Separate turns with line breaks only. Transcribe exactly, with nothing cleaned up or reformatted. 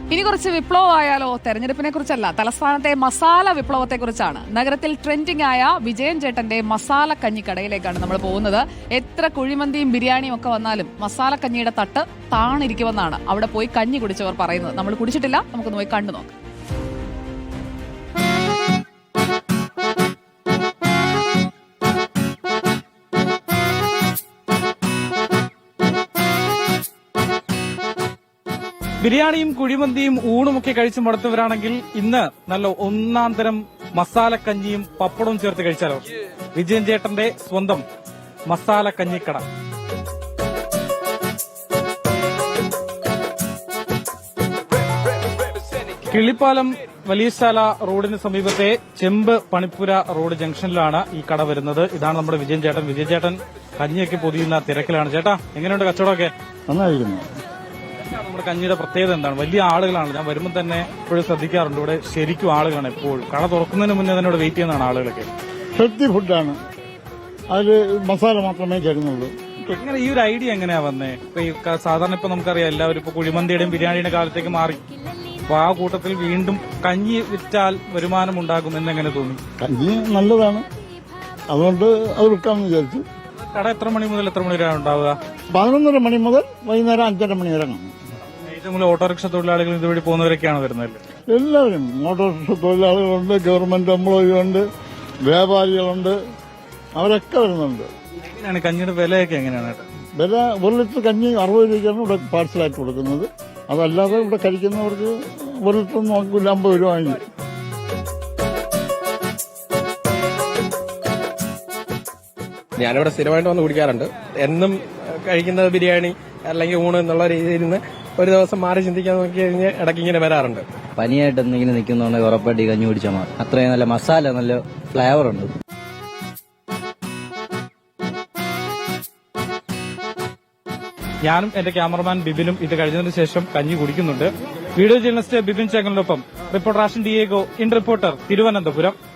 ഇനി കുറച്ച് വിപ്ലവമായാലോ? തെരഞ്ഞെടുപ്പിനെ കുറിച്ചല്ല, തലസ്ഥാനത്തെ മസാല വിപ്ലവത്തെ കുറിച്ചാണ്. നഗരത്തിൽ ട്രെൻഡിംഗ് ആയ വിജയൻ ചേട്ടന്റെ മസാല കഞ്ഞിക്കടയിലേക്കാണ് നമ്മൾ പോകുന്നത്. എത്ര കുഴിമന്തിയും ബിരിയാണിയും ഒക്കെ വന്നാലും മസാല കഞ്ഞിയുടെ തട്ട് താണിരിക്കുമെന്നാണ് അവിടെ പോയി കഞ്ഞി കുടിച്ചവർ പറയുന്നത്. നമ്മൾ കുടിച്ചിട്ടില്ല, നമുക്കൊന്ന് പോയി കണ്ടു നോക്കാം.
ബിരിയാണിയും കുഴിമന്തിയും ഊണുമൊക്കെ കഴിച്ച് മടുത്തവരാണെങ്കിൽ ഇന്ന് നല്ല ഒന്നാം തരം മസാലക്കഞ്ഞിയും പപ്പടവും ചേർത്ത് കഴിച്ചാലോ? വിജയൻ ചേട്ടന്റെ സ്വന്തം മസാല കഞ്ഞിക്കട. കിള്ളിപ്പാലം വലിയശാല റോഡിന് സമീപത്തെ ചെമ്പ് പണിപ്പുര റോഡ് ജംഗ്ഷനിലാണ് ഈ കട വരുന്നത്. ഇതാണ് നമ്മുടെ വിജയൻ ചേട്ടൻ. വിജയൻ ചേട്ടൻ കഞ്ഞിയൊക്കെ പൊതിയുന്ന തിരക്കിലാണ്. ചേട്ടാ, എങ്ങനെയുണ്ട് കച്ചവടമൊക്കെ?
നന്നായിരിക്കുന്നു.
നമ്മുടെ കഞ്ഞിയുടെ പ്രത്യേകത എന്താണ്? വലിയ ആളുകളാണ്. ഞാൻ വരുമ്പോൾ തന്നെ എപ്പോഴും ശ്രദ്ധിക്കാറുണ്ട്, ഇവിടെ ശരിക്കും ആളുകളാണ് എപ്പോഴും. കട തുറക്കുന്നതിന് മുന്നേ തന്നെ ഇവിടെ വെയിറ്റ് ചെയ്യുന്നതാണ് ആളുകളൊക്കെ.
ഹെൽത്തി ഫുഡാണ്, അതിൽ മസാല മാത്രമേ ചേരുന്നുള്ളൂ.
എങ്ങനെ ഈ ഒരു ഐഡിയ എങ്ങനെയാ വന്നേ? ഇപ്പൊ ഈ സാധാരണ ഇപ്പൊ നമുക്കറിയാം, എല്ലാവരും ഇപ്പൊ കുഴിമന്തിയുടെയും ബിരിയാണിയുടെ കാലത്തേക്ക് മാറി. അപ്പൊ ആ കൂട്ടത്തിൽ വീണ്ടും കഞ്ഞി വിറ്റാൽ വരുമാനം ഉണ്ടാകും എന്നെങ്ങനെ തോന്നി?
കഞ്ഞി നല്ലതാണ്, അതുകൊണ്ട് അത് വിൽക്കാമെന്ന് വിചാരിച്ചു.
കട എത്ര മണി മുതൽ എത്ര മണി വരെ ഉണ്ടാവുക?
പതിനൊന്നര മണി മുതൽ വൈകുന്നേരം അഞ്ചര മണി വരെ കാണും.
ഏറ്റവും കൂടുതൽ ഓട്ടോറിക്ഷ തൊഴിലാളികൾ ഇതുവഴി പോകുന്നവരൊക്കെയാണ് വരുന്നത്.
എല്ലാവരും ഓട്ടോറിക്ഷ തൊഴിലാളികളുണ്ട്, ഗവൺമെന്റ് എംപ്ലോയിയുണ്ട്, വ്യാപാരികളുണ്ട്, അവരൊക്കെ വരുന്നുണ്ട്.
എങ്ങനെയാണ് കഞ്ഞിയുടെ വിലയൊക്കെ എങ്ങനെയാണ്?
വില ഒരു ലിറ്റർ കഞ്ഞി അറുപത് രൂപയ്ക്കാണ് ഇവിടെ പാഴ്സലായിട്ട് കൊടുക്കുന്നത്. അതല്ലാതെ ഇവിടെ കഴിക്കുന്നവർക്ക് ഒരു ലിറ്റർ നോക്കില്ല, അമ്പത് രൂപ വാങ്ങി.
ഞാനിവിടെ സ്ഥിരമായിട്ട് വന്ന് കുടിക്കാറുണ്ട്. എന്നും കഴിക്കുന്നത് ബിരിയാണി അല്ലെങ്കിൽ ഊണ് എന്നുള്ള രീതിയിൽ നിന്ന് ഒരു ദിവസം മാറി ചിന്തിക്കാൻ നോക്കി കഴിഞ്ഞാൽ ഇടയ്ക്ക് ഇങ്ങനെ വരാറുണ്ട്.
പനിയായിട്ട് എന്തെങ്കിലും നിൽക്കുന്നുണ്ടെങ്കിൽ ഉറപ്പായിട്ട് ഈ കഞ്ഞി കുടിച്ചാൽ മതി. അത്രയും നല്ല മസാല, നല്ല ഫ്ലേവർ ഉണ്ട്.
ഞാനും എന്റെ ക്യാമറമാൻ ബിബിനും ഇത് കഴിഞ്ഞതിന് ശേഷം കഞ്ഞി കുടിക്കുന്നുണ്ട്. വീഡിയോ ജേർണലിസ്റ്റ് ബിബിൻ ചേങ്ങലിനൊപ്പം reporter Ashan Diego, in reporter, Thiruvananthapuram.